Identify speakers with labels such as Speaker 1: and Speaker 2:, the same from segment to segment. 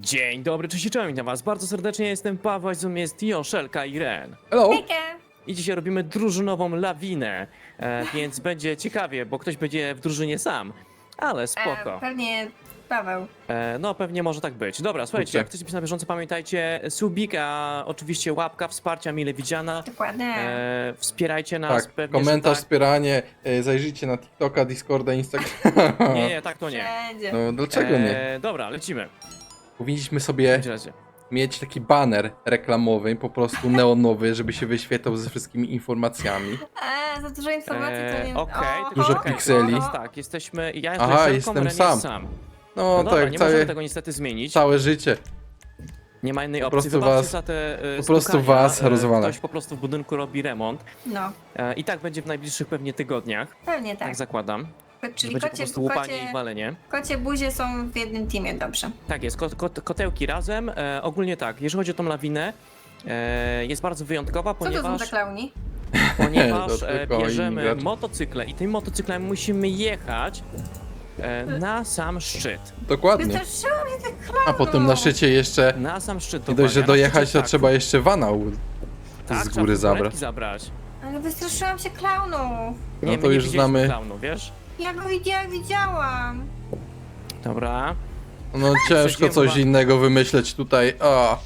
Speaker 1: Dzień dobry, cześć i czołem, witam was bardzo serdecznie, jestem Paweł, a z nami jest Joszelka i Ren.
Speaker 2: Hello.
Speaker 3: Hejka!
Speaker 1: I dzisiaj robimy drużynową lawinę, więc będzie ciekawie, bo ktoś będzie w drużynie sam, ale spoko.
Speaker 3: Pewnie Paweł.
Speaker 1: No pewnie może tak być. Dobra, słuchajcie,
Speaker 2: Super.
Speaker 1: jak chcecie być na bieżąco, pamiętajcie, subika, oczywiście łapka wsparcia mile widziana.
Speaker 3: Dokładnie.
Speaker 1: Wspierajcie nas,
Speaker 2: Tak,
Speaker 1: pewnie,
Speaker 2: komentarz,
Speaker 1: że
Speaker 2: wspieranie, zajrzyjcie na TikToka, Discorda, Instagrama.
Speaker 1: tak. Nie, tak to nie.
Speaker 3: Wszędzie.
Speaker 2: No dlaczego nie?
Speaker 1: Dobra, lecimy.
Speaker 2: Powinniśmy
Speaker 1: W
Speaker 2: sobie
Speaker 1: takim razie.
Speaker 2: mieć taki baner reklamowy, po prostu neonowy, żeby się wyświetlał ze wszystkimi informacjami.
Speaker 3: Za dużo informacji to nie...
Speaker 1: Okej,
Speaker 3: Oho,
Speaker 2: Dużo
Speaker 1: okej,
Speaker 2: pikseli.
Speaker 1: teraz tak, jesteśmy, ja
Speaker 2: Aha,
Speaker 1: jestem Żelką,
Speaker 2: jestem
Speaker 1: Ren
Speaker 2: sam.
Speaker 1: jest sam.
Speaker 2: No,
Speaker 1: No dobra,
Speaker 2: tak,
Speaker 1: nie możemy
Speaker 2: całe,
Speaker 1: tego niestety zmienić.
Speaker 2: całe życie.
Speaker 1: Nie ma innej
Speaker 2: Po
Speaker 1: opcji.
Speaker 2: prostu
Speaker 1: Wybaczcie
Speaker 2: was-
Speaker 1: za te
Speaker 2: po prostu
Speaker 1: stukania.
Speaker 2: was rozwala.
Speaker 1: Ktoś po prostu w budynku robi remont.
Speaker 3: No,
Speaker 1: I tak będzie w najbliższych pewnie tygodniach.
Speaker 3: pewnie
Speaker 1: Tak
Speaker 3: tak.
Speaker 1: zakładam.
Speaker 3: Czyli
Speaker 1: Będzie po prostu łupanie i walenie.
Speaker 3: kocie buzie są w jednym teamie, dobrze.
Speaker 1: Tak jest, kotełki razem. Ogólnie tak, jeżeli chodzi o tą lawinę, jest bardzo wyjątkowa,
Speaker 3: Co to są
Speaker 1: ponieważ,
Speaker 3: za klauni?
Speaker 1: ponieważ
Speaker 2: To tylko inni
Speaker 1: bierzemy
Speaker 2: gracze.
Speaker 1: motocykle i tym motocyklem musimy jechać na sam szczyt.
Speaker 2: Dokładnie.
Speaker 3: Wystraszyło mnie tych klaunów!
Speaker 2: A potem na szczycie jeszcze,
Speaker 1: Na sam szczyt.
Speaker 2: nie dość, że
Speaker 1: dokładnie, a na
Speaker 2: dojechać,
Speaker 1: szczycie
Speaker 2: to trzeba jeszcze wana
Speaker 1: tak,
Speaker 2: z
Speaker 1: trzeba
Speaker 2: góry
Speaker 1: furgonetki
Speaker 2: zabrać.
Speaker 3: Ale wystraszyłam się klaunów!
Speaker 2: No
Speaker 1: Nie,
Speaker 2: to
Speaker 1: my nie
Speaker 2: już
Speaker 1: widzieliśmy
Speaker 2: znamy.
Speaker 1: klaunu, wiesz?
Speaker 3: Ja go widziałam!
Speaker 1: Dobra.
Speaker 2: No ciężko
Speaker 1: Przejdziemy
Speaker 2: coś
Speaker 1: chyba-
Speaker 2: innego wymyśleć tutaj. O.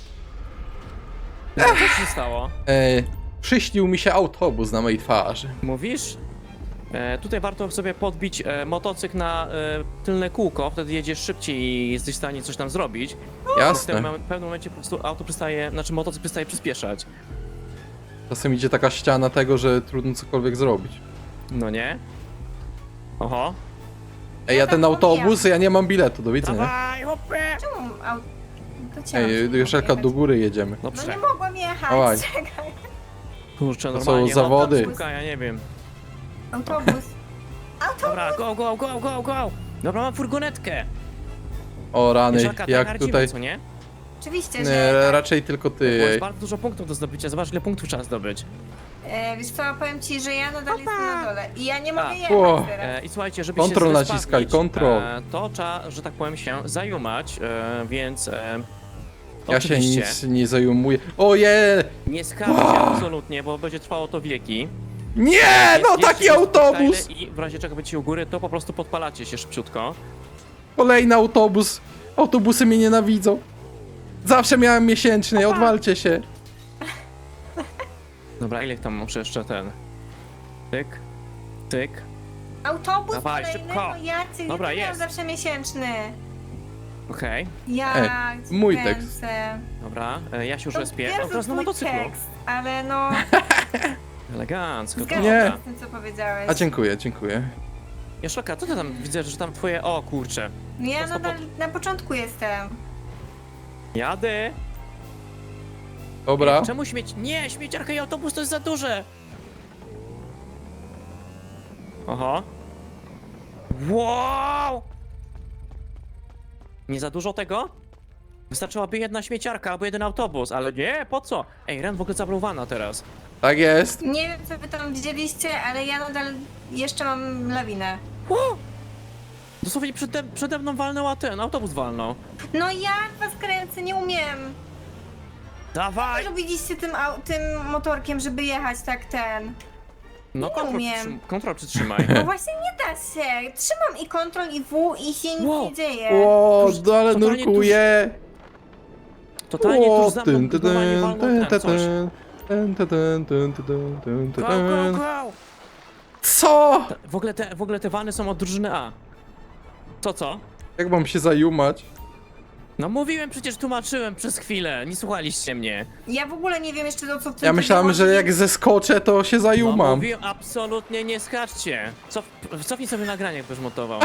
Speaker 1: Co się stało?
Speaker 2: Przyśnił mi się autobus na mojej twarzy.
Speaker 1: Mówisz? Tutaj warto sobie podbić motocykl na tylne kółko, wtedy jedziesz szybciej i jesteś w stanie coś tam zrobić. W
Speaker 2: Jasne.
Speaker 1: pewnym momencie po prostu auto przestaje, znaczy motocykl przestaje przyspieszać.
Speaker 2: Czasem idzie taka ściana tego, że trudno cokolwiek zrobić.
Speaker 1: No nie? Oho.
Speaker 2: Ej, ja
Speaker 3: Ja
Speaker 2: ten
Speaker 3: tak
Speaker 2: autobus, ja nie mam biletu, do widzenia.
Speaker 1: Dawaj, hopie!
Speaker 3: Czemu to chciałam
Speaker 2: Ej,
Speaker 3: szybko
Speaker 2: Joszelka,
Speaker 3: jechać.
Speaker 2: do góry jedziemy.
Speaker 3: No
Speaker 1: Dobrze.
Speaker 3: nie mogłam jechać,
Speaker 2: Dawaj.
Speaker 3: czekaj.
Speaker 1: Kurczę,
Speaker 2: To są
Speaker 1: normalnie.
Speaker 2: zawody.
Speaker 1: Sztuka, ja nie wiem.
Speaker 3: Autobus.
Speaker 1: Dobra, go, go, go, go, go! Dobra, mam furgonetkę.
Speaker 2: O rany,
Speaker 1: Joszelka, tak
Speaker 2: jak
Speaker 1: naradzimy,
Speaker 2: tutaj...
Speaker 1: co nie?
Speaker 3: Oczywiście,
Speaker 2: Nie,
Speaker 3: że tak.
Speaker 2: raczej tylko
Speaker 1: Bo jest
Speaker 2: ty.
Speaker 1: bardzo dużo punktów do zdobycia, zobacz ile punktów trzeba zdobyć.
Speaker 3: Wiesz co, powiem ci, że ja nadal jestem na dole i ja nie mogę
Speaker 1: A.
Speaker 3: jechać
Speaker 2: Ło.
Speaker 3: teraz.
Speaker 1: I słuchajcie, żeby
Speaker 2: Kontrol
Speaker 1: się
Speaker 2: naciskaj,
Speaker 1: zrespawnić,
Speaker 2: kontrol.
Speaker 1: to trzeba, że tak powiem, się zajumać, więc
Speaker 2: Ja się
Speaker 1: oczywiście
Speaker 2: nic nie zajmuję. Oje!
Speaker 1: nie skarżcie absolutnie, bo będzie trwało to wieki.
Speaker 2: Nie,
Speaker 1: Jest-
Speaker 2: no
Speaker 1: jest
Speaker 2: taki
Speaker 1: jeszcze
Speaker 2: autobus!
Speaker 1: koktajle I w razie czego będziecie u góry, to po prostu podpalacie się szybciutko.
Speaker 2: Kolejny autobus. Autobusy mnie nienawidzą. Zawsze miałem miesięczny, odwalcie się.
Speaker 1: Dobra, ile tam muszę jeszcze ten... Tyk, tyk.
Speaker 3: Autobus
Speaker 1: Dawaj,
Speaker 3: kolejny,
Speaker 1: szybko.
Speaker 3: no Jacek,
Speaker 1: Dobra,
Speaker 3: ja miałam
Speaker 1: jest.
Speaker 3: zawsze miesięczny.
Speaker 1: Okej,
Speaker 3: Ja
Speaker 2: mój
Speaker 3: kręcę.
Speaker 2: tekst.
Speaker 1: dobra, ja się już
Speaker 3: To
Speaker 1: respię.
Speaker 3: wiem,
Speaker 1: O,
Speaker 3: że
Speaker 1: teraz na
Speaker 3: twój
Speaker 1: motocyklu.
Speaker 3: tekst, ale no,
Speaker 1: Elegancko,
Speaker 3: zgadzam
Speaker 2: Nie.
Speaker 3: się z tym, co powiedziałeś.
Speaker 2: A dziękuję, dziękuję.
Speaker 1: Joszelka, co ty tam widzę, że tam twoje... O kurczę.
Speaker 3: No ja
Speaker 1: prosto
Speaker 3: nadal na początku jestem.
Speaker 1: Jadę.
Speaker 2: Dobra.
Speaker 1: Czemu śmieć? Nie, śmieciarka i autobus to jest za duże! Oho. Wow! Nie za dużo tego? Wystarczyłaby jedna śmieciarka albo jeden autobus, ale nie, po co? Ej, Ren w ogóle zabrał vana teraz.
Speaker 2: Tak jest.
Speaker 3: Nie wiem, co wy tam widzieliście, ale ja nadal jeszcze mam lawinę.
Speaker 1: Wow! Dosłownie przede mną walnął, a ten autobus walnął.
Speaker 3: No jak was kręcę, nie umiem.
Speaker 1: Dawaj!
Speaker 3: Robiliście tym motorkiem, żeby jechać tak ten.
Speaker 1: No
Speaker 3: nie
Speaker 1: kontrol,
Speaker 3: umiem.
Speaker 1: kontrol przytrzymaj.
Speaker 3: No właśnie nie da się. Trzymam i kontrol i W i się nic
Speaker 1: Wow.
Speaker 3: nie dzieje.
Speaker 2: O,
Speaker 1: Tuż-
Speaker 2: ale
Speaker 1: totalnie
Speaker 2: nurkuję.
Speaker 1: Totalnie
Speaker 2: O,
Speaker 1: tuż za mną normalnie walnął ten coś. Go, go, go!
Speaker 2: Co?
Speaker 1: W ogóle te vany są od drużyny A. Co?
Speaker 2: Jak mam się zajumać?
Speaker 1: No mówiłem, przecież tłumaczyłem przez chwilę, nie słuchaliście mnie.
Speaker 3: Ja w ogóle nie wiem jeszcze o co w tym
Speaker 2: Ja myślałem, że jak zeskoczę, to się
Speaker 1: No
Speaker 2: zajumam.
Speaker 1: mówiłem, absolutnie nie skaczcie. Cofnij sobie nagranie, jak będziesz montował.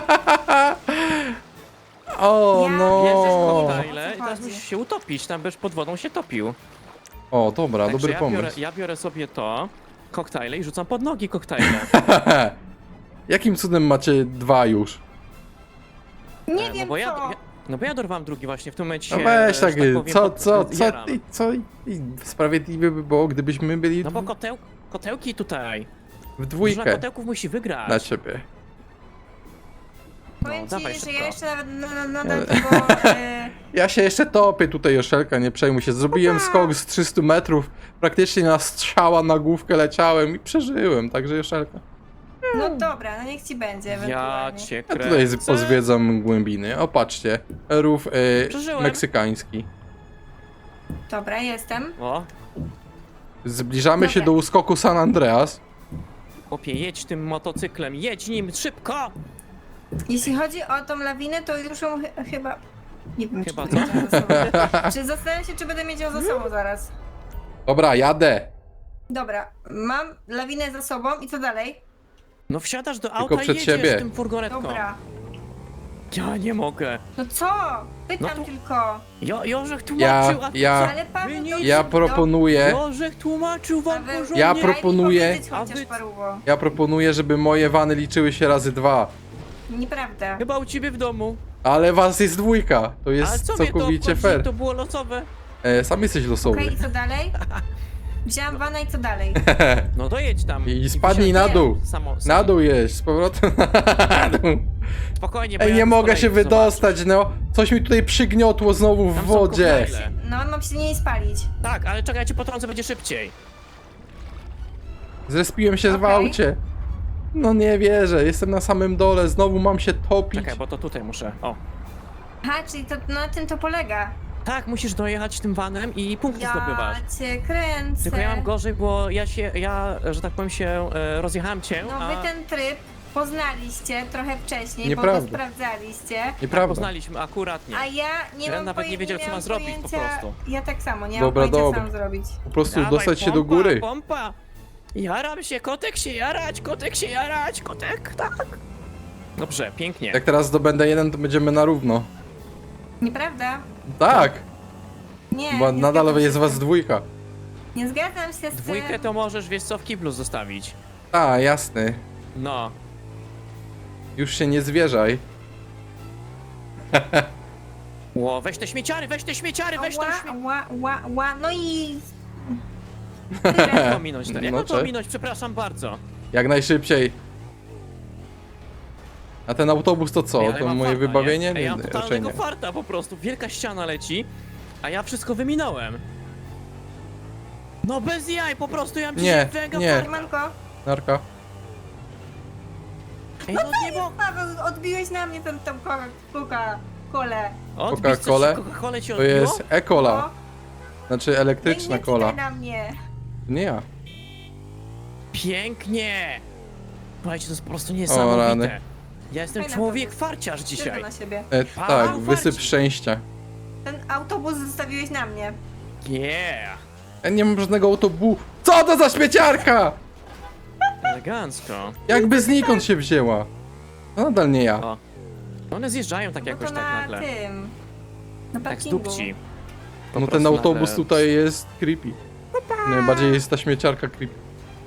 Speaker 2: O,
Speaker 3: Ja
Speaker 1: Bierzesz
Speaker 2: no.
Speaker 1: koktajle
Speaker 3: O co
Speaker 1: i teraz
Speaker 3: chodzi?
Speaker 1: musisz się utopić, tam będziesz pod wodą się topił.
Speaker 2: O, dobra,
Speaker 1: Także
Speaker 2: dobry pomysł.
Speaker 1: ja biorę sobie to, koktajle i rzucam pod nogi koktajle.
Speaker 2: Jakim cudem macie dwa już?
Speaker 3: Nie
Speaker 1: No
Speaker 3: wiem
Speaker 1: bo
Speaker 3: co.
Speaker 1: no bo ja dorwałem drugi właśnie, w tym momencie
Speaker 2: No
Speaker 1: się,
Speaker 2: weź
Speaker 1: że
Speaker 2: tak,
Speaker 1: powiem, jaram.
Speaker 2: i sprawiedliwie by było, gdybyśmy byli
Speaker 1: No bo kotełki tutaj.
Speaker 2: w
Speaker 1: Drużyna
Speaker 2: dwójkę
Speaker 1: kotełków musi wygrać.
Speaker 2: na ciebie.
Speaker 3: Powiem ci,
Speaker 1: dawaj
Speaker 3: że
Speaker 1: szybko.
Speaker 3: ja jeszcze nawet nadal tego...
Speaker 2: Ja się jeszcze topię tutaj, Joszelka, nie przejmuj się. Zrobiłem skok z 300 metrów, praktycznie na strzała na główkę leciałem i przeżyłem, także Joszelka.
Speaker 3: No dobra, no niech ci będzie
Speaker 1: Ja
Speaker 3: ewentualnie.
Speaker 1: cię
Speaker 2: Ja
Speaker 1: kręcę.
Speaker 2: tutaj pozwiedzam głębiny. O, patrzcie, rów
Speaker 1: Przeżyłem.
Speaker 2: meksykański.
Speaker 3: Dobra, jestem.
Speaker 1: O,
Speaker 2: Zbliżamy się
Speaker 3: Dobra.
Speaker 2: do uskoku San Andreas.
Speaker 1: chłopie, jedź tym motocyklem, jedź nim, szybko!
Speaker 3: Jeśli chodzi o tą lawinę, to już ją chyba... Nie wiem,
Speaker 1: Chyba
Speaker 3: czy
Speaker 1: co?
Speaker 3: będę mieć ją za sobą. Czy zastanawiam się, czy będę mieć ją za sobą zaraz.
Speaker 2: Dobra, jadę.
Speaker 3: Dobra, mam lawinę za sobą i co dalej?
Speaker 1: No wsiadasz do auta i
Speaker 2: przed
Speaker 1: jedziesz
Speaker 2: siebie.
Speaker 1: tym furgonetką.
Speaker 3: Dobra.
Speaker 1: Ja nie mogę.
Speaker 3: No co? Pytam
Speaker 1: No to-
Speaker 3: tylko.
Speaker 1: Jorzech tłumaczył,
Speaker 3: Ale Paweł,
Speaker 1: Wy
Speaker 3: to
Speaker 1: nie-
Speaker 2: Ja proponuję,
Speaker 1: Jorzech tłumaczył wam
Speaker 3: Paweł,
Speaker 1: porządnie.
Speaker 2: Ja
Speaker 3: daj mi
Speaker 2: proponuję-
Speaker 3: powiedzieć
Speaker 1: A
Speaker 3: chociaż
Speaker 1: wy-
Speaker 3: paruwo.
Speaker 2: żeby moje wany liczyły się razy 2.
Speaker 3: Nieprawda.
Speaker 1: Chyba u ciebie w domu.
Speaker 2: Ale was jest dwójka, to
Speaker 1: Ale
Speaker 2: jest
Speaker 1: co mnie to
Speaker 2: całkowicie
Speaker 1: obchodzi?
Speaker 2: fair.
Speaker 1: To było losowe.
Speaker 2: Sam jesteś losowy.
Speaker 3: Okej, i co dalej? Wziąłam wana i co dalej?
Speaker 1: No dojedź tam.
Speaker 2: I spadnij na
Speaker 1: wysiądź.
Speaker 2: dół.
Speaker 1: Samo.
Speaker 2: Na dół jeść, z powrotem na dół.
Speaker 1: Spokojnie, bo
Speaker 2: Ej,
Speaker 1: ja
Speaker 2: nie
Speaker 1: z
Speaker 2: mogę
Speaker 1: kolei
Speaker 2: się
Speaker 1: zobaczę.
Speaker 2: wydostać, no. Coś mi tutaj przygniotło znowu w
Speaker 1: Tam są
Speaker 2: wodzie.
Speaker 1: koktajle.
Speaker 3: No, mam się nie spalić.
Speaker 1: Tak, ale czekaj, ja cię potrącę, będzie szybciej.
Speaker 2: Zrespiłem się w
Speaker 3: Okej.
Speaker 2: aucie. No nie wierzę, jestem na samym dole, znowu mam się topić.
Speaker 1: Czekaj, bo to tutaj muszę. O.
Speaker 3: Aha, czyli to na tym to polega.
Speaker 1: Tak, musisz dojechać tym vanem i punkty zdobywasz.
Speaker 3: Ja cię kręcę.
Speaker 1: Tylko ja mam gorzej, bo ja, że tak powiem się, rozjechałem cię,
Speaker 3: No
Speaker 1: a
Speaker 3: wy ten tryb poznaliście trochę wcześniej, bo
Speaker 2: Nieprawda.
Speaker 3: go sprawdzaliście.
Speaker 2: Nieprawda.
Speaker 1: poznaliśmy akuratnie.
Speaker 3: A ja nie
Speaker 1: Ja
Speaker 3: mam
Speaker 1: nawet nie wiedział, co
Speaker 3: miałam
Speaker 1: ma zrobić po
Speaker 3: pojęcia-
Speaker 1: prostu.
Speaker 3: Ja tak samo, nie
Speaker 2: Dobra,
Speaker 3: mam pojęcia,
Speaker 2: dobra.
Speaker 3: co mam zrobić.
Speaker 2: Po prostu
Speaker 1: Dawaj,
Speaker 2: dostać się do
Speaker 1: pompa,
Speaker 2: góry.
Speaker 1: Pompa! Jaram się, kotek się jarać, kotek się jarać, kotek, tak. Dobrze, pięknie.
Speaker 2: Jak teraz zdobędę jeden, to będziemy na równo.
Speaker 3: Nieprawda?
Speaker 2: Tak,
Speaker 3: Nie,
Speaker 2: bo
Speaker 3: nie
Speaker 2: nadal
Speaker 3: zgadzam
Speaker 2: jest
Speaker 3: się z
Speaker 2: was
Speaker 3: tym.
Speaker 2: dwójka.
Speaker 3: Nie zgadzam się z
Speaker 1: Dwójkę
Speaker 3: tym.
Speaker 1: to możesz, wiesz co, w kiblu zostawić.
Speaker 2: A, jasny.
Speaker 1: No.
Speaker 2: Już się nie zwierzaj.
Speaker 1: Ło, weź te śmieciary, weź te śmieciary, weź te śmieciary.
Speaker 3: Ła, no i...
Speaker 1: Jak to ominąć? Jak
Speaker 2: No
Speaker 1: to
Speaker 2: cześć.
Speaker 1: ominąć? Przepraszam bardzo.
Speaker 2: Jak najszybciej. A ten autobus to co?
Speaker 1: Ej, ale
Speaker 2: To
Speaker 1: mam
Speaker 2: moje
Speaker 1: farta,
Speaker 2: wybawienie?
Speaker 1: Nie? Ej, ja mam
Speaker 2: raczej
Speaker 1: totalnego
Speaker 2: nie.
Speaker 1: farta po prostu. Wielka ściana leci, a ja wszystko wyminąłem. No bez jaj, po prostu ja mam
Speaker 2: Nie,
Speaker 1: dzisiaj mega
Speaker 2: nie.
Speaker 1: farta.
Speaker 3: Siemanko.
Speaker 2: Narka.
Speaker 1: Ej, no nie bo...
Speaker 3: Paweł, odbiłeś na mnie tą Coca-Colę.
Speaker 1: Odbić coś,
Speaker 2: Coca-Colę?
Speaker 1: Coca-Colę ci
Speaker 2: To
Speaker 1: odbiło?
Speaker 2: jest e-cola.
Speaker 3: No,
Speaker 2: Znaczy elektryczna
Speaker 3: nie
Speaker 2: cola.
Speaker 3: czytaj na mnie.
Speaker 2: Nie ja.
Speaker 1: Pięknie! Słuchajcie, to jest po prostu
Speaker 2: rany.
Speaker 1: niesamowite. Ja jestem
Speaker 3: Fajna
Speaker 1: człowiek
Speaker 3: propozycja.
Speaker 1: farciarz
Speaker 3: Tylko
Speaker 1: dzisiaj.
Speaker 3: na siebie.
Speaker 2: Tak,
Speaker 1: Wow,
Speaker 2: wysyp
Speaker 1: farci.
Speaker 2: szczęścia.
Speaker 3: Ten autobus zostawiłeś na mnie.
Speaker 1: Yeah!
Speaker 2: Ja nie mam żadnego autobusu. Co to za śmieciarka?
Speaker 1: Elegancko.
Speaker 2: Jakby znikąd się wzięła. No nadal nie ja.
Speaker 1: O. One zjeżdżają tak
Speaker 3: No
Speaker 1: jakoś
Speaker 3: to
Speaker 1: tak
Speaker 3: na
Speaker 1: nagle.
Speaker 3: tym. Na
Speaker 1: Tak z
Speaker 3: parkingu.
Speaker 1: dupci. Po
Speaker 2: No
Speaker 1: prostu
Speaker 2: ten autobus
Speaker 1: nagle-
Speaker 2: tutaj jest creepy. Najbardziej jest ta śmieciarka creepy.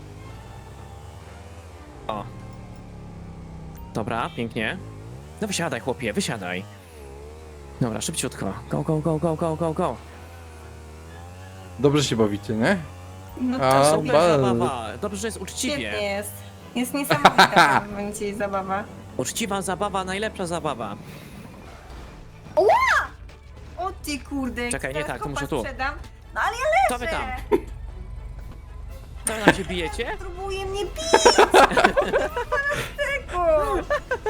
Speaker 1: O. Dobra, pięknie. No wysiadaj, chłopie, wysiadaj. Dobra, szybciutko. Go, go, go, go, go, go, go.
Speaker 2: Dobrze się bawicie, nie?
Speaker 3: No
Speaker 2: A,
Speaker 3: to
Speaker 1: Super
Speaker 2: bardzo.
Speaker 1: zabawa. Dobrze, że jest
Speaker 3: świetnie
Speaker 1: uczciwie.
Speaker 3: jest. Jest niesamowita w momencie jej zabawa.
Speaker 1: Uczciwa zabawa, najlepsza zabawa.
Speaker 3: O ty kurde, jak
Speaker 1: Czekaj, nie
Speaker 3: teraz
Speaker 1: tak, to
Speaker 3: kopa
Speaker 1: muszę tu.
Speaker 3: sprzedam. No ale ja
Speaker 1: Co wy
Speaker 3: leżę.
Speaker 1: tam? Co wy tam się bijecie?
Speaker 3: Próbuje mnie bić. Tego.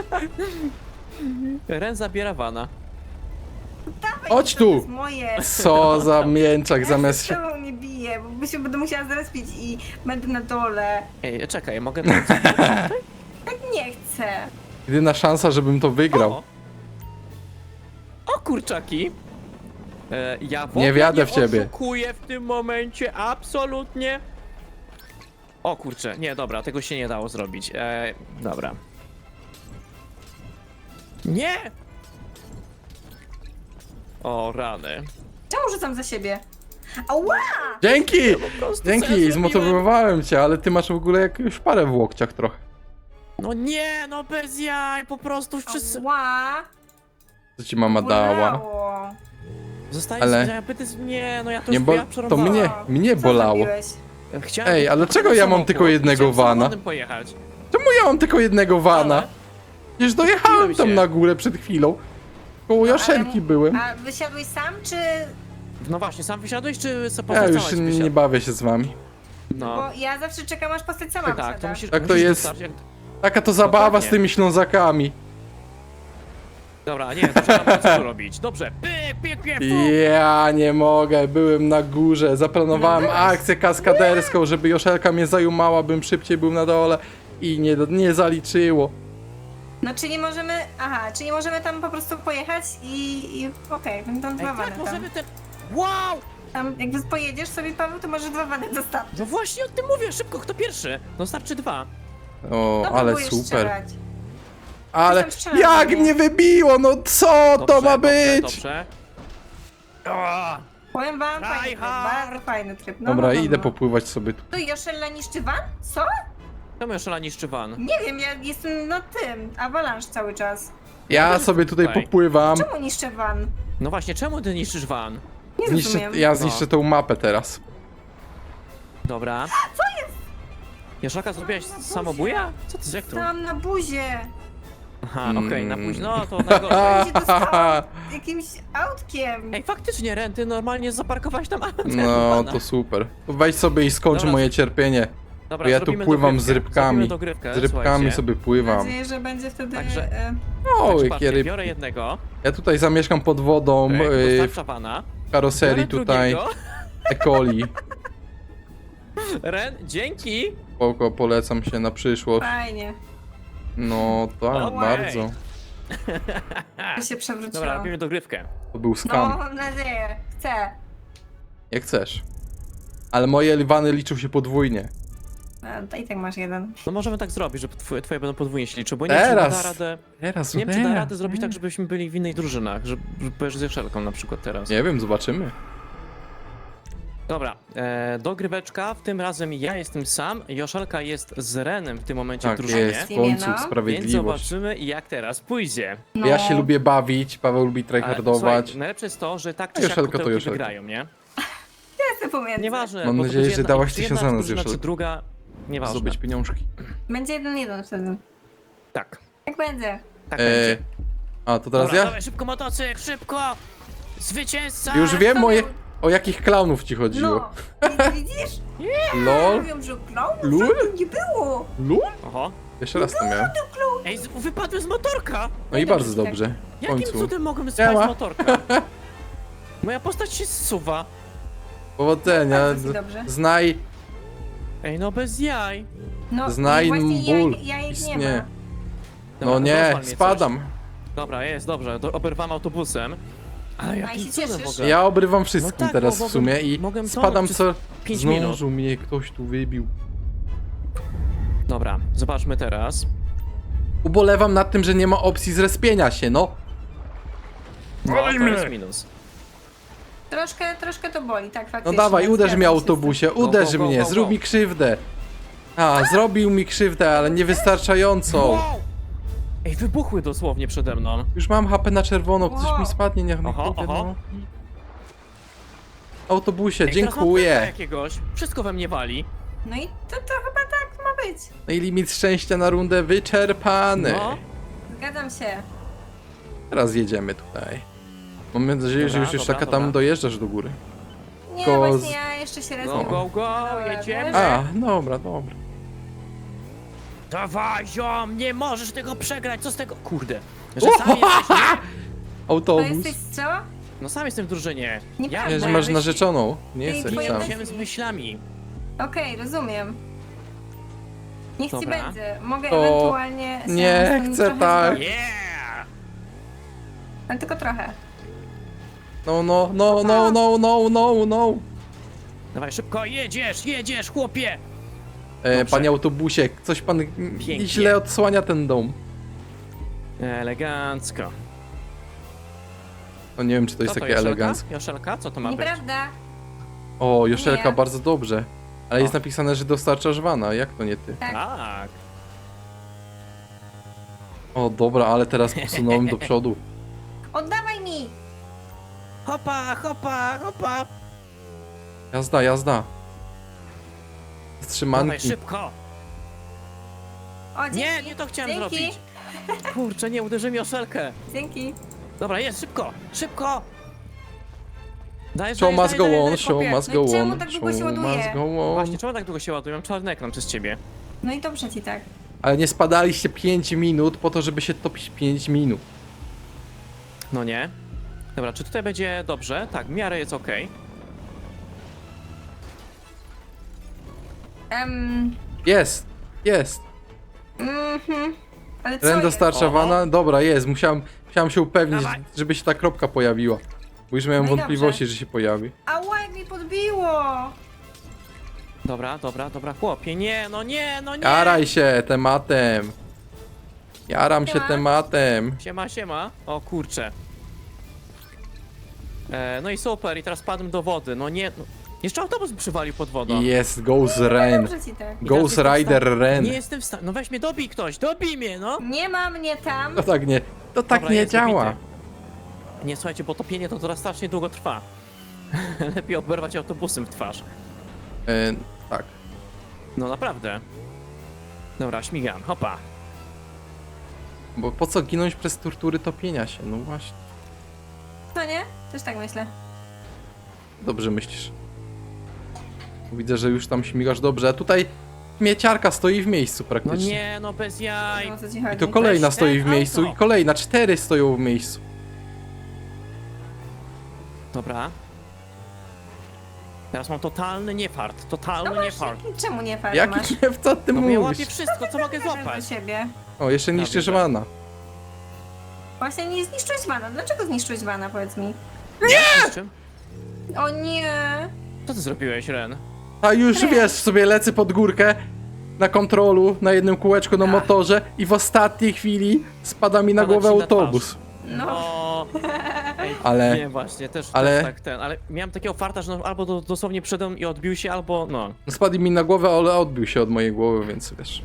Speaker 1: Ren zabiera wana.
Speaker 3: Dawaj,
Speaker 2: Chodź
Speaker 3: to
Speaker 2: tu.
Speaker 3: jest moje.
Speaker 2: Co za mięczak zamiast
Speaker 3: się...
Speaker 2: się...
Speaker 3: Ja nie biję, bo się będę musiała zrespić i będę na dole.
Speaker 1: Ej, czekaj, mogę tam...
Speaker 3: Tak nie chcę.
Speaker 2: Jedyna szansa, żebym to wygrał.
Speaker 1: O kurczaki! Ja w ogóle
Speaker 2: Nie wiadę w ciebie.
Speaker 1: oszukuję w tym momencie, absolutnie. O kurczę, nie, dobra, tego się nie dało zrobić. Dobra. Nie! O, rany.
Speaker 3: Czemu rzucam za siebie? Ała!
Speaker 2: Dzięki!
Speaker 1: Po prostu co ja
Speaker 2: Dzięki,
Speaker 1: zrobiłem?
Speaker 2: zmotywowałem cię, ale ty masz w ogóle jakąś parę w łokciach trochę.
Speaker 1: No nie, no bez jaj, po prostu wszyscy...
Speaker 3: Ała!
Speaker 2: Co ci mama dała?
Speaker 3: Bolało.
Speaker 1: Zostaje
Speaker 2: Ale-
Speaker 1: Nie, no ja to
Speaker 2: Nie,
Speaker 1: już
Speaker 2: bo
Speaker 1: ja
Speaker 2: to
Speaker 1: przerwałem.
Speaker 2: mnie
Speaker 3: Co
Speaker 2: bolało.
Speaker 3: zrobiłeś?
Speaker 1: Chciałem
Speaker 2: Ej, ale czego ja mam tylko jednego
Speaker 1: Chciałem
Speaker 2: vana?
Speaker 1: samochodem pojechać.
Speaker 2: Czemu ja mam tylko jednego vana?
Speaker 1: Ale
Speaker 2: Przecież dojechałem tam
Speaker 1: się.
Speaker 2: na górę przed chwilą. Koło Joszelki byłem.
Speaker 3: A wysiadłeś sam, czy...
Speaker 1: No właśnie, sam wysiadłeś, czy sobie
Speaker 2: Ja
Speaker 1: postać
Speaker 2: już
Speaker 1: cała
Speaker 2: nie bawię się z wami.
Speaker 1: No,
Speaker 3: Bo ja zawsze czekam, aż postać sama
Speaker 1: tak,
Speaker 3: wysiada.
Speaker 1: to musisz...
Speaker 2: Tak to
Speaker 1: musisz
Speaker 2: jest.
Speaker 1: dostarczyć,
Speaker 2: Taka to zabawa
Speaker 1: Dokładnie.
Speaker 2: z tymi Ślązakami.
Speaker 1: Dobra, nie, to trzeba co tu robić. Dobrze, pyk, pyk, pyk, pyk.
Speaker 2: Ja nie mogę, byłem na górze, zaplanowałem
Speaker 3: No byłeś.
Speaker 2: akcję kaskaderską, żeby Joszelka mnie zajumała, bym szybciej był na dole i nie zaliczyło.
Speaker 3: No czyli możemy... Aha, czyli możemy tam po prostu pojechać i okej, będą
Speaker 1: Ej,
Speaker 3: dwa wany
Speaker 1: tak,
Speaker 3: tam.
Speaker 1: możemy ten... Wow!
Speaker 3: Tam jak pojedziesz sobie, Paweł, to może dwa wany dostarczyć.
Speaker 1: No właśnie o tym mówię, szybko, kto pierwszy? No starczy 2.
Speaker 2: O,
Speaker 3: No,
Speaker 2: ale
Speaker 3: próbujesz
Speaker 2: super.
Speaker 3: strzelać.
Speaker 2: Ale
Speaker 3: tam strzelasz
Speaker 2: jak
Speaker 3: do mnie.
Speaker 2: mnie wybiło, no co to ma być?
Speaker 1: Dobrze. O,
Speaker 3: Powiem wam, fajny tryb,
Speaker 1: Tryhard.
Speaker 3: bardzo fajny tryb. No,
Speaker 2: Dobra,
Speaker 3: no, no,
Speaker 2: idę
Speaker 3: no.
Speaker 2: popływać sobie tu.
Speaker 3: To Joszella niszczy van? Co?
Speaker 1: czemu Joszelka niszczy van?
Speaker 3: Nie wiem, ja jestem na tym, avalanche cały czas.
Speaker 2: Ja sobie tutaj
Speaker 1: Tutaj.
Speaker 2: popływam.
Speaker 3: Czemu niszczę van?
Speaker 1: No właśnie, czemu ty niszczysz van?
Speaker 3: Nie rozumiem.
Speaker 2: Ja zniszczę tą mapę teraz.
Speaker 1: Dobra. Co jest? Joszelka, zrobiłaś samobuja? Co ty, jak to?
Speaker 3: Tam na buzie.
Speaker 1: Aha, okej, na
Speaker 2: Mm.
Speaker 1: późno, to najgorzej.
Speaker 3: Ja się dostałam jakimś autkiem.
Speaker 1: Ej, faktycznie, Ren, ty normalnie zaparkowałeś tam
Speaker 2: No, to super. Weź sobie i skończ
Speaker 1: Dobra.
Speaker 2: moje cierpienie.
Speaker 1: Dobra,
Speaker 2: Bo ja tu
Speaker 1: zrobimy
Speaker 2: pływam z
Speaker 1: dogrywkę.
Speaker 2: rybkami.
Speaker 1: Zrobimy dogrywkę,
Speaker 2: Z rybkami
Speaker 1: słuchajcie.
Speaker 2: sobie
Speaker 3: Mam
Speaker 2: pływam.
Speaker 3: nadzieję, że będzie wtedy...
Speaker 1: Także-
Speaker 2: O,
Speaker 1: Także
Speaker 2: jakie
Speaker 1: patrzcie,
Speaker 2: ryb.
Speaker 1: biorę jednego,
Speaker 2: Ja tutaj zamieszkam pod wodą
Speaker 1: dostarcza vana.
Speaker 2: w karoserii
Speaker 1: Biorę
Speaker 2: tutaj
Speaker 1: drugiego.
Speaker 2: E. coli.
Speaker 1: Ren, dzięki!
Speaker 2: Spoko, polecam się na przyszłość.
Speaker 3: Fajnie.
Speaker 2: No tak,
Speaker 1: Okej.
Speaker 2: bardzo.
Speaker 3: To się przewróciło.
Speaker 1: Dobra, robimy dogrywkę.
Speaker 2: To był
Speaker 3: No,
Speaker 2: skam.
Speaker 3: mam nadzieję. Chcę.
Speaker 2: Jak chcesz. Ale moje liwany liczą się podwójnie.
Speaker 3: A, to i tak masz jeden.
Speaker 1: No możemy tak zrobić, że twoje będą podwójnie się liczyły, bo nie wiem, czy da
Speaker 2: Teraz.
Speaker 1: radę...
Speaker 2: Teraz,
Speaker 1: Nie wiem, czy da radę zrobić tak, żebyśmy byli w innych drużynach, że będziesz z Joszelką na przykład teraz.
Speaker 2: Nie wiem, zobaczymy.
Speaker 1: Dobra, dogryweczka, w tym razem ja jestem sam, Joszelka jest z Renem w tym momencie w
Speaker 2: Tak
Speaker 1: drużynie.
Speaker 2: jest, w
Speaker 3: Imię,
Speaker 2: końcu
Speaker 3: no.
Speaker 1: Więc
Speaker 2: sprawiedliwość.
Speaker 1: zobaczymy, jak teraz pójdzie.
Speaker 3: No.
Speaker 2: Ja się lubię bawić, Paweł lubi
Speaker 1: Ale,
Speaker 2: tryhardować.
Speaker 1: słuchaj, najlepsze jest to, że tak czy
Speaker 2: A
Speaker 1: siak
Speaker 2: Joszelka to
Speaker 1: kutełki
Speaker 2: Joszelka.
Speaker 1: wygrają, nie?
Speaker 3: Ja jestem pomiędzy.
Speaker 1: Nieważne,
Speaker 2: Mam
Speaker 1: bo to
Speaker 2: nadzieję,
Speaker 1: będzie
Speaker 2: że
Speaker 1: jedna-
Speaker 2: dałaś
Speaker 1: czy
Speaker 2: 1000
Speaker 1: jedna
Speaker 2: za nas,
Speaker 1: drużyna, czy
Speaker 2: Joszelka.
Speaker 1: druga, nieważne.
Speaker 2: Zdobyć pieniążki.
Speaker 3: Będzie 1-1 wtedy.
Speaker 1: Tak,
Speaker 3: Jak będzie?
Speaker 1: tak
Speaker 2: E,
Speaker 1: będzie.
Speaker 2: a, to teraz
Speaker 1: Dobra,
Speaker 2: ja?
Speaker 1: dawaj, szybko motocykl, szybko! Zwycięzca!
Speaker 2: Już wiem
Speaker 3: to
Speaker 2: moje...
Speaker 3: miał-
Speaker 2: O jakich klaunów ci chodziło.
Speaker 3: No, widzisz?
Speaker 2: LOL?
Speaker 3: Mówią, że klaunów
Speaker 2: Lul?
Speaker 3: żadnych nie było.
Speaker 2: LOL?
Speaker 1: Oho.
Speaker 2: Jeszcze raz to miałem.
Speaker 1: Ej, wypadłem z motorka!
Speaker 2: No i
Speaker 3: dobrze,
Speaker 2: bardzo
Speaker 3: tak.
Speaker 2: dobrze. W
Speaker 1: Jakim
Speaker 2: końcu.
Speaker 1: cudem mogłem spać
Speaker 2: Siema.
Speaker 1: z motorka? Moja postać się zsuwa.
Speaker 2: Powodzenia.
Speaker 3: Bardzo ci dobrze.
Speaker 2: Znaj,
Speaker 1: Ej, no bez jaj.
Speaker 3: No,
Speaker 2: znaj
Speaker 3: właśnie
Speaker 2: ból.
Speaker 3: jajek nie
Speaker 2: Istnieje.
Speaker 3: ma.
Speaker 1: Dobra,
Speaker 2: No nie,
Speaker 1: rozwal mnie
Speaker 2: spadam.
Speaker 1: coś. Dobra, jest, dobrze, oberwam autobusem. Ale
Speaker 3: i
Speaker 1: jakim
Speaker 3: się
Speaker 1: cudem w
Speaker 3: cieszysz?
Speaker 1: ogóle?
Speaker 2: Ja obrywam wszystkim
Speaker 1: No tak,
Speaker 2: teraz
Speaker 1: bo
Speaker 2: w sumie i
Speaker 1: mogłem
Speaker 2: spadam
Speaker 1: tonąć
Speaker 2: co...
Speaker 1: 5 minut.
Speaker 2: Zdążył mnie ktoś tu wybił.
Speaker 1: Dobra, zobaczmy teraz.
Speaker 2: Ubolewam nad tym, że nie ma opcji zrespienia się, no.
Speaker 1: No, to jest minus.
Speaker 3: Troszkę to boli, tak
Speaker 2: No
Speaker 3: faktycznie.
Speaker 2: dawaj, uderz
Speaker 3: Zgadzam
Speaker 2: mnie
Speaker 3: się z
Speaker 2: autobusie,
Speaker 1: go,
Speaker 2: uderz
Speaker 1: go, go,
Speaker 2: mnie,
Speaker 1: go,
Speaker 2: zrób
Speaker 1: go.
Speaker 2: mi krzywdę. A, zrobił mi krzywdę, ale niewystarczającą.
Speaker 1: Wow! Ej, wybuchły dosłownie przede mną.
Speaker 2: Już mam HP na czerwono, coś
Speaker 3: Wow.
Speaker 2: mi spadnie, niech mi
Speaker 1: Oho,
Speaker 2: kurde,
Speaker 1: oho.
Speaker 2: no. Autobusie,
Speaker 1: Ej, teraz mam pecha
Speaker 2: dziękuję.
Speaker 1: jakiegoś. Wszystko we mnie wali.
Speaker 3: No i to chyba tak ma być.
Speaker 2: No i limit szczęścia na rundę wyczerpany.
Speaker 1: No.
Speaker 3: Zgadzam się.
Speaker 2: Teraz jedziemy tutaj. Mam nadzieję, że
Speaker 1: Dobra,
Speaker 2: już taka
Speaker 1: dobra.
Speaker 2: tam dojeżdżasz do góry.
Speaker 3: Nie,
Speaker 2: Go
Speaker 3: właśnie
Speaker 2: z-
Speaker 3: ja jeszcze się
Speaker 1: Go,
Speaker 3: respię.
Speaker 1: go, go,
Speaker 3: Dobra,
Speaker 1: jedziemy.
Speaker 2: A, dobra, dobra.
Speaker 1: Dawaj, ziom, nie możesz tego przegrać, co z tego? Kurde. Że sam jesteś, nie?
Speaker 3: To
Speaker 2: Autobus.
Speaker 3: jesteś co?
Speaker 1: No sam jestem w drużynie.
Speaker 3: Nieprawda.
Speaker 2: Nie,
Speaker 1: Ja
Speaker 2: że masz
Speaker 3: Weź-
Speaker 2: narzeczoną. Nie
Speaker 3: Ej,
Speaker 2: jesteś
Speaker 3: twoja
Speaker 2: sam.
Speaker 3: weź-
Speaker 1: idziemy z myślami.
Speaker 3: Okej, rozumiem. Niech ci
Speaker 1: Dobra.
Speaker 3: będzie. Mogę
Speaker 2: To
Speaker 3: ewentualnie się
Speaker 2: nie
Speaker 3: z tym
Speaker 2: chcę
Speaker 3: trochę
Speaker 2: tak.
Speaker 3: zgodzić.
Speaker 1: Yeah!
Speaker 3: Ale tylko trochę.
Speaker 2: No, no, no, no, no, no, no, no.
Speaker 1: Dawaj, szybko, jedziesz, chłopie!
Speaker 2: E,
Speaker 1: Dobrze.
Speaker 2: panie autobusie, coś pan
Speaker 1: Pięknie.
Speaker 2: źle odsłania ten dom.
Speaker 1: Elegancko.
Speaker 2: No nie wiem, czy to jest
Speaker 1: Co to,
Speaker 2: takie
Speaker 1: Joszelka?
Speaker 2: eleganckie.
Speaker 1: Joszelka? Co to ma być?
Speaker 3: Nieprawda.
Speaker 2: O, Joszelka,
Speaker 3: Nie.
Speaker 2: bardzo dobrze. Ale
Speaker 1: O.
Speaker 2: jest napisane, że dostarczasz wana. Jak to nie ty?
Speaker 3: Tak.
Speaker 1: Tak.
Speaker 2: O, dobra, ale teraz posunąłem do przodu.
Speaker 3: Oddawaj mi!
Speaker 1: Hopa, hopa, hopa!
Speaker 2: Jazda, jazda.
Speaker 1: Dawaj,
Speaker 2: Wstrzymanki.
Speaker 1: szybko!
Speaker 3: O, dzięki.
Speaker 1: Nie, nie to chciałem
Speaker 3: Dzięki.
Speaker 1: zrobić. Kurczę, nie, uderzy mi o szelkę.
Speaker 3: Dzięki.
Speaker 1: Dobra, jest, szybko, szybko! Dajesz,
Speaker 2: Show must go on,
Speaker 1: dajesz,
Speaker 2: show
Speaker 1: chłopie.
Speaker 2: must
Speaker 3: No i
Speaker 2: go
Speaker 3: czemu
Speaker 2: on,
Speaker 3: tak długo się
Speaker 2: show
Speaker 3: ładuje?
Speaker 2: must go on.
Speaker 1: Właśnie, czemu tak długo się ładuje? Mam czarny ekran przez ciebie.
Speaker 3: No i dobrze ci tak.
Speaker 2: Ale nie spadaliście 5 minut po to, żeby się topić 5 minut.
Speaker 1: No nie. Dobra, czy tutaj będzie dobrze? Tak, w miarę jest okej.
Speaker 2: Jest, jest.
Speaker 3: Ale co
Speaker 2: Ren
Speaker 3: jest?
Speaker 2: dostarcza wana? Dobra, jest. Musiałem się upewnić,
Speaker 1: Dawaj.
Speaker 2: żeby się ta kropka pojawiła. Bo już miałem
Speaker 3: No i
Speaker 2: wątpliwości,
Speaker 3: dobrze.
Speaker 2: że się pojawi.
Speaker 3: Ała, jak mi podbiło!
Speaker 1: Dobra, dobra, dobra, chłopie, nie, no nie, no nie!
Speaker 2: Jaraj się tematem. Jaram się
Speaker 3: Siema.
Speaker 2: tematem.
Speaker 1: Siema, siema. O kurczę. No i super, i teraz padłem do wody, no nie, no. Jeszcze autobus przywalił pod wodą.
Speaker 2: I jest Ghost Ren.
Speaker 3: Dobrze ci tak.
Speaker 1: I
Speaker 2: Ghost
Speaker 1: teraz jestem w
Speaker 2: Rider
Speaker 1: stanie-
Speaker 2: Ren.
Speaker 1: Nie jestem w stanie, no weź mnie, dobij ktoś, dobij mnie, no!
Speaker 3: Nie ma mnie tam.
Speaker 2: To tak
Speaker 1: Dobra,
Speaker 2: nie
Speaker 1: jest
Speaker 2: działa.
Speaker 1: dobity. Nie, słuchajcie, bo topienie to teraz strasznie długo trwa. Lepiej oberwać autobusem w twarz.
Speaker 2: Tak.
Speaker 1: No naprawdę. Dobra, śmigam, hopa.
Speaker 2: Bo po co ginąć przez tortury topienia się? No właśnie.
Speaker 3: To nie? Też tak myślę.
Speaker 2: Dobrze myślisz. Widzę, że już tam śmigasz dobrze. A tutaj mieciarka stoi w miejscu
Speaker 1: No
Speaker 2: praktycznie.
Speaker 1: nie, no bez jaj.
Speaker 3: No, o co ci chodzi?
Speaker 2: I to kolejna
Speaker 1: Weź
Speaker 2: stoi
Speaker 1: ten
Speaker 2: w miejscu
Speaker 1: auto.
Speaker 2: i kolejna. 4 stoją w miejscu.
Speaker 1: Dobra. Teraz mam totalny niefart, totalny
Speaker 3: No
Speaker 1: niefart.
Speaker 3: właśnie, czemu nie fajnie
Speaker 2: Jaki
Speaker 3: masz?
Speaker 2: nie w co ty
Speaker 1: No bo ja łapię
Speaker 2: mówisz?
Speaker 1: wszystko, co mogę
Speaker 3: Bierzesz
Speaker 1: złapać.
Speaker 3: do siebie.
Speaker 2: O, jeszcze niszczysz
Speaker 1: Dobrze.
Speaker 2: wana.
Speaker 3: Właśnie nie zniszczyłeś wana. Dlaczego zniszczyłeś wana, powiedz mi?
Speaker 1: Nie! Czym?
Speaker 3: O nie!
Speaker 1: Co ty zrobiłeś, Ren?
Speaker 2: A już
Speaker 3: Nie.
Speaker 2: wiesz, sobie lecę pod górkę na kontrolu, na jednym kółeczku na motorze i w ostatniej chwili spada mi na
Speaker 1: Spada
Speaker 2: głowę
Speaker 1: ci na
Speaker 2: autobus.
Speaker 3: No.
Speaker 1: O, ej,
Speaker 2: Ale-
Speaker 1: Nie, właśnie, też
Speaker 2: ale-
Speaker 1: tak ten, ale miałem takiego farta, że no, albo dosłownie przedem i odbił się, albo no.
Speaker 2: Spadł mi na głowę, ale odbił się od mojej głowy, więc wiesz.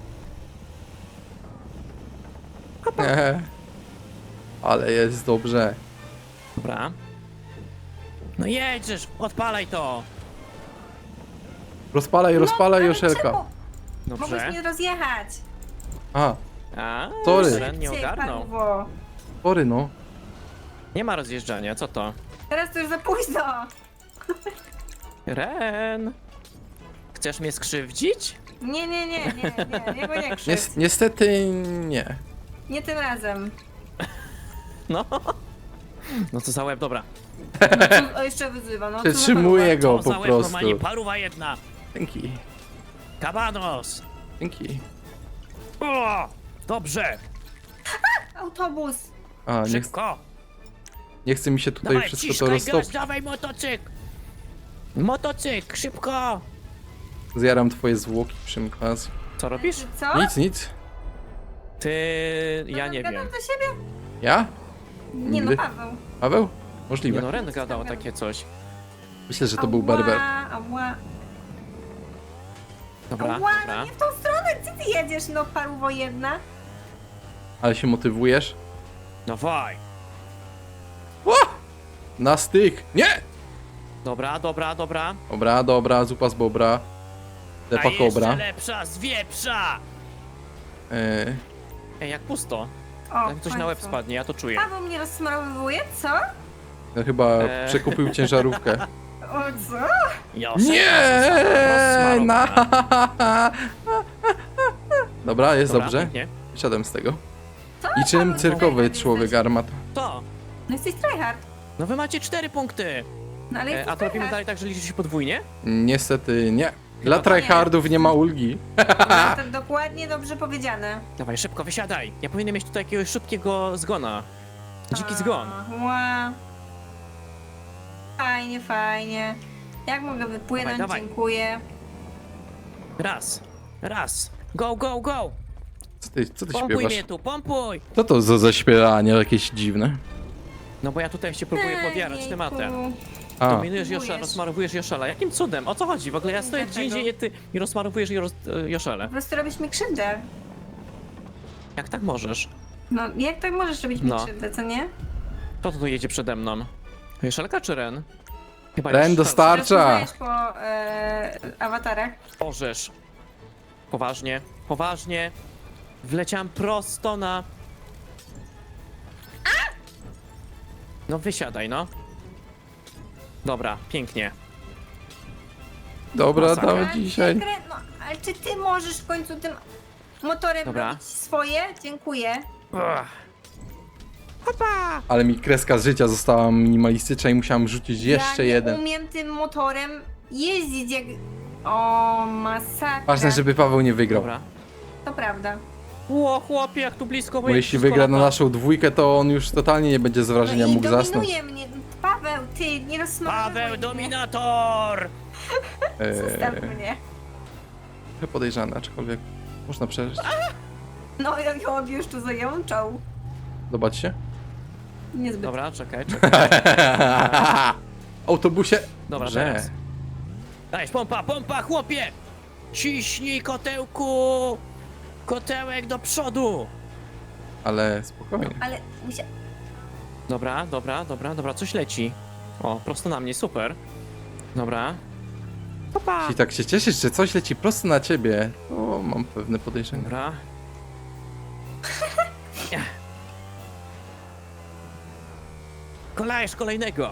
Speaker 2: Ale jest dobrze.
Speaker 1: Dobra. No jedziesz, odpalaj to!
Speaker 2: Rozpalaj,
Speaker 3: No, ale
Speaker 2: Joszelka.
Speaker 3: czemu? Mogłeś
Speaker 1: Dobrze.
Speaker 3: mnie rozjechać.
Speaker 2: A,
Speaker 1: A,
Speaker 2: Sorry.
Speaker 1: Ren nie
Speaker 3: Szybciej,
Speaker 1: ogarnął.
Speaker 3: paliwo.
Speaker 2: spory no.
Speaker 1: Nie ma rozjeżdżania, co to?
Speaker 3: Teraz to już za późno.
Speaker 1: Ren! Chcesz mnie skrzywdzić?
Speaker 3: Nie, bo nie krzywdź.
Speaker 2: Niestety nie.
Speaker 3: Nie tym razem.
Speaker 1: No. No co za łeb, dobra.
Speaker 3: O, jeszcze wyzywa, no.
Speaker 2: Przetrzymuję go
Speaker 1: Co
Speaker 2: po
Speaker 1: za łeb,
Speaker 2: prostu.
Speaker 1: normalnie paruwa jedna.
Speaker 2: Dzięki.
Speaker 1: Kabanos!
Speaker 2: Dzięki.
Speaker 1: O! Dobrze!
Speaker 3: Autobus.
Speaker 2: A,
Speaker 1: Szybko!
Speaker 2: nie chce mi się tutaj
Speaker 1: Dawaj,
Speaker 2: wszystko to
Speaker 1: ciskaj gaz,
Speaker 2: roztopić.
Speaker 1: dawaj motocykl! Motocykl, szybko!
Speaker 2: Zjaram twoje zwłoki przy okazji.
Speaker 1: Co robisz?
Speaker 3: Co?
Speaker 2: Nic.
Speaker 1: Ty... ja nie
Speaker 3: Gadam
Speaker 1: wiem.
Speaker 3: do siebie?
Speaker 2: Ja?
Speaker 3: Nie no,
Speaker 2: Nigdy.
Speaker 3: Paweł.
Speaker 2: Paweł?
Speaker 1: Nie
Speaker 2: Możliwe.
Speaker 1: no, Ren gadał takie coś.
Speaker 2: Myślę, że to był berber.
Speaker 3: Ała,
Speaker 1: Dobra,
Speaker 3: ała, no
Speaker 1: dobra.
Speaker 3: nie w tą stronę, gdzie ty jedziesz, no paruwo jedna?
Speaker 2: Ale się motywujesz?
Speaker 1: Dawaj!
Speaker 2: O! Na styk! Nie!
Speaker 1: Dobra, dobra, dobra.
Speaker 2: Dobra, zupa z bobra.
Speaker 1: A
Speaker 2: Lepa
Speaker 1: jeszcze
Speaker 2: kobra.
Speaker 1: lepsza z wieprza! Ej, jak pusto.
Speaker 3: O,
Speaker 1: Jak coś
Speaker 3: w
Speaker 1: na łeb
Speaker 3: końcu.
Speaker 1: spadnie, ja to czuję.
Speaker 3: Paweł mnie rozsmarowuje, co?
Speaker 2: No chyba przekupił ciężarówkę.
Speaker 3: O co?
Speaker 1: Joszek,
Speaker 2: Nie!
Speaker 1: rozsmarowana.
Speaker 2: Dobra, jest
Speaker 1: Dobra,
Speaker 2: dobrze.
Speaker 1: pięknie.
Speaker 2: Wysiadam z tego.
Speaker 3: Co?
Speaker 2: I czym
Speaker 3: Paweł,
Speaker 2: cyrkowy
Speaker 3: tryhard
Speaker 2: człowiek
Speaker 3: jesteś.
Speaker 2: armat?
Speaker 1: To!
Speaker 3: No jesteś tryhard.
Speaker 1: No wy macie 4 punkty!
Speaker 3: No ale jesteś
Speaker 1: A to robimy
Speaker 3: tryhard.
Speaker 1: dalej tak, że liczy się podwójnie?
Speaker 2: Niestety nie. Dla
Speaker 1: Chyba to nie.
Speaker 2: tryhardów nie ma ulgi.
Speaker 3: No, to dokładnie dobrze powiedziane.
Speaker 1: Dawaj, szybko, wysiadaj! Ja powinienem mieć tutaj jakiegoś szybkiego zgona. Dziki zgon.
Speaker 3: Ła. Fajnie, fajnie. Jak mogę wypłynąć?
Speaker 1: Dawaj, dawaj.
Speaker 3: Dziękuję.
Speaker 1: Raz. Go, go, go!
Speaker 2: Co ty
Speaker 1: Pompuj
Speaker 2: śpiewasz?
Speaker 1: mnie tu, pompuj!
Speaker 2: Co to za zaśpiewanie jakieś dziwne?
Speaker 1: No bo ja tutaj się próbuję podjarać
Speaker 3: Ejku.
Speaker 1: tematem.
Speaker 2: A,
Speaker 1: Dominujesz
Speaker 3: Próbujesz.
Speaker 1: Joszela, rozmarowujesz Joszela. Jakim cudem? O co chodzi? W ogóle ja stoję gdzie
Speaker 3: Dlaczego?
Speaker 1: indziej, ty i rozmarowujesz Joszele.
Speaker 3: Po prostu robisz mi krzywdę.
Speaker 1: Jak tak możesz?
Speaker 3: No, jak tak możesz robić mi
Speaker 1: No.
Speaker 3: krzywdę, co nie?
Speaker 1: Kto tu jedzie przede mną? Joszelka czy Ren? Chyba
Speaker 2: Ren
Speaker 1: Joszelka.
Speaker 2: dostarcza.
Speaker 3: Teraz poznajesz po awatarach.
Speaker 1: Orzesz. Poważnie, poważnie. Wleciałem prosto na... No wysiadaj, no. Dobra, pięknie.
Speaker 2: Dobra,
Speaker 1: Masakra.
Speaker 2: damy dzisiaj.
Speaker 3: No, ale czy ty możesz w końcu tym motorem
Speaker 1: Dobra.
Speaker 3: robić swoje? Dziękuję.
Speaker 1: Ugh. Hopa!
Speaker 2: Ale mi kreska z życia została minimalistyczna i musiałem rzucić jeszcze
Speaker 3: ja
Speaker 2: jeden.
Speaker 3: nie umiem tym motorem jeździć jak... O, masakra.
Speaker 2: Ważne, żeby Paweł nie wygrał.
Speaker 1: Dobra.
Speaker 3: To prawda.
Speaker 1: Ło, chłopie, jak tu blisko,
Speaker 2: Bo jeśli
Speaker 1: wszystko
Speaker 2: wygra na
Speaker 1: lata.
Speaker 2: naszą dwójkę, to on już totalnie nie będzie z wrażenia
Speaker 3: No i
Speaker 2: mógł zasnąć.
Speaker 3: dominuje mnie. Paweł, ty, nie rozsmarowuj
Speaker 1: Paweł,
Speaker 3: mnie.
Speaker 1: dominator!
Speaker 3: Zostaw mnie.
Speaker 2: Trochę podejrzane, aczkolwiek można przeżyć.
Speaker 3: No, jak on już tu zajączał.
Speaker 2: Zobaczcie.
Speaker 3: Niezbyt.
Speaker 1: Dobra, czekaj, czekaj.
Speaker 2: Autobusie.
Speaker 1: Dobra,
Speaker 2: Dobrze.
Speaker 1: teraz. Dajesz, pompa, pompa, chłopie! Ciśnij, kotełku! Kotełek do przodu!
Speaker 2: Ale spokojnie.
Speaker 3: Ale musia...
Speaker 1: Dobra, dobra, dobra, dobra, coś leci. O, prosto na mnie, super. Dobra. Popa!
Speaker 2: Jeśli tak się cieszysz, że coś leci prosto na ciebie, to mam pewne podejrzenie.
Speaker 1: Dobra. Kolejesz kolejnego.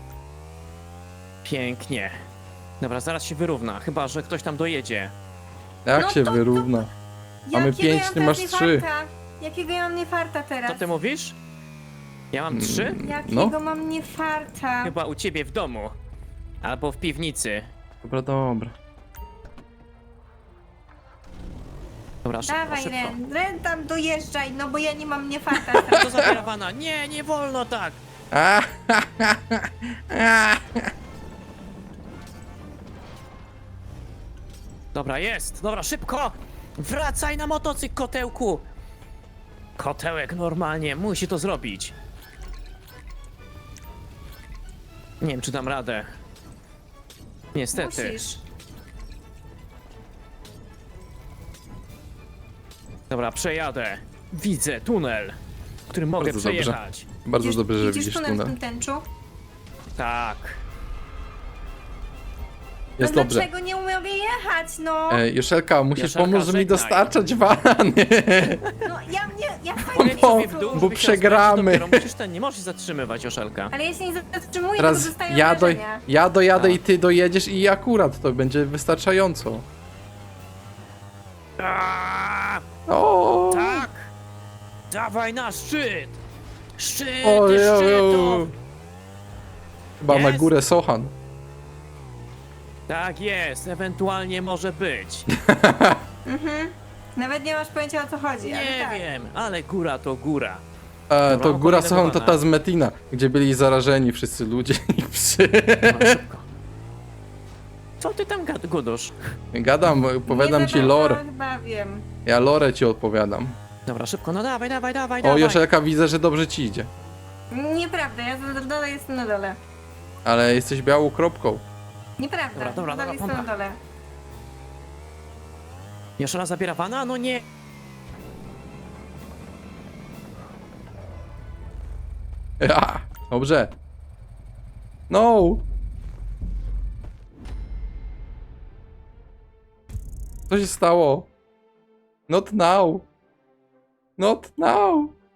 Speaker 1: Pięknie. Dobra, zaraz się wyrówna, chyba że ktoś tam dojedzie.
Speaker 2: Jak
Speaker 3: No
Speaker 2: się
Speaker 3: to-
Speaker 2: wyrówna? Mamy
Speaker 3: Jakiego
Speaker 2: 5,
Speaker 3: ja
Speaker 2: ty
Speaker 3: mam
Speaker 2: masz
Speaker 3: teraz
Speaker 2: 3.
Speaker 3: niefarta? Jakiego ja mam niefarta teraz?
Speaker 1: Co ty mówisz? Ja mam 3?
Speaker 3: Jakiego
Speaker 2: No.
Speaker 3: mam niefarta?
Speaker 1: Chyba u ciebie w domu. Albo w piwnicy.
Speaker 2: Dobra, dobra.
Speaker 1: Dobra, szybko,
Speaker 3: Dawaj,
Speaker 1: szybko.
Speaker 3: Ren, tam dojeżdżaj, no bo ja nie mam niefarta.
Speaker 1: To zabierawana. Nie, nie wolno tak.
Speaker 2: A,
Speaker 1: Dobra, jest. Dobra, szybko. Wracaj na motocykl, kotełku. Kotełek normalnie musi to zrobić. Nie wiem, czy dam radę. Niestety.
Speaker 3: Musisz.
Speaker 1: Dobra, przejadę. Widzę tunel, który mogę
Speaker 2: Bardzo dobrze.
Speaker 1: przejechać.
Speaker 2: Bardzo dobrze, że
Speaker 3: Widzisz
Speaker 2: widzisz
Speaker 3: tunel w
Speaker 2: tunel.
Speaker 3: tym tęczu?
Speaker 1: Tak.
Speaker 2: Jest
Speaker 3: no
Speaker 2: dobrze.
Speaker 3: dlaczego nie mogę jechać, no?
Speaker 2: Joszelka, musisz
Speaker 1: Joszelka,
Speaker 2: pomóc mi
Speaker 1: żegnaj.
Speaker 2: dostarczać walany.
Speaker 3: No ja
Speaker 1: Powiedz
Speaker 3: fajnie
Speaker 1: sobie w dół,
Speaker 2: bo
Speaker 1: żeby się
Speaker 2: przegramy.
Speaker 1: rozpędzić, dopiero musisz nie możesz zatrzymywać, Joszelka.
Speaker 3: Ale ja się nie zatrzymuję, bo
Speaker 2: Teraz
Speaker 3: dostaję
Speaker 2: ja,
Speaker 3: obrażenia.
Speaker 2: ja dojadę
Speaker 1: Tak.
Speaker 2: i ty dojedziesz i akurat to będzie wystarczająco.
Speaker 1: Aaaa!
Speaker 2: O,
Speaker 1: Tak! Dawaj na szczyt! Szczyt
Speaker 2: Ojej,
Speaker 1: szczytów!
Speaker 2: chyba na
Speaker 1: Jest?
Speaker 2: górę Sochan.
Speaker 1: Tak jest, ewentualnie może być.
Speaker 3: Nawet nie masz pojęcia o co chodzi, ale
Speaker 1: Nie
Speaker 3: tak.
Speaker 1: wiem, ale góra to góra.
Speaker 2: To
Speaker 1: Dobra,
Speaker 2: góra Sochan to
Speaker 1: kolejnego
Speaker 2: ta z Metina, gdzie byli zarażeni wszyscy ludzie i psy.
Speaker 1: Dobra, szybko. Co ty tam gudusz?
Speaker 2: Gadam, opowiadam
Speaker 3: Nie
Speaker 2: ci
Speaker 3: za
Speaker 2: lore.
Speaker 3: bardzo Chyba wiem.
Speaker 2: Ja lore ci odpowiadam.
Speaker 1: Dobra, szybko, no dawaj, dawaj, dawaj,
Speaker 2: O,
Speaker 1: dawaj.
Speaker 2: Joszelka, widzę, że dobrze ci idzie.
Speaker 3: Nieprawda, ja na dole jestem na dole.
Speaker 2: Ale jesteś białą kropką.
Speaker 3: Nieprawda,
Speaker 1: Dobra, dobra,
Speaker 3: nadal
Speaker 1: dobra,
Speaker 3: jestem na
Speaker 1: pompa.
Speaker 3: dole.
Speaker 1: Joszelka zabiera wana? No nie.
Speaker 2: Ja, dobrze. No! Co się stało? Not now. Not now.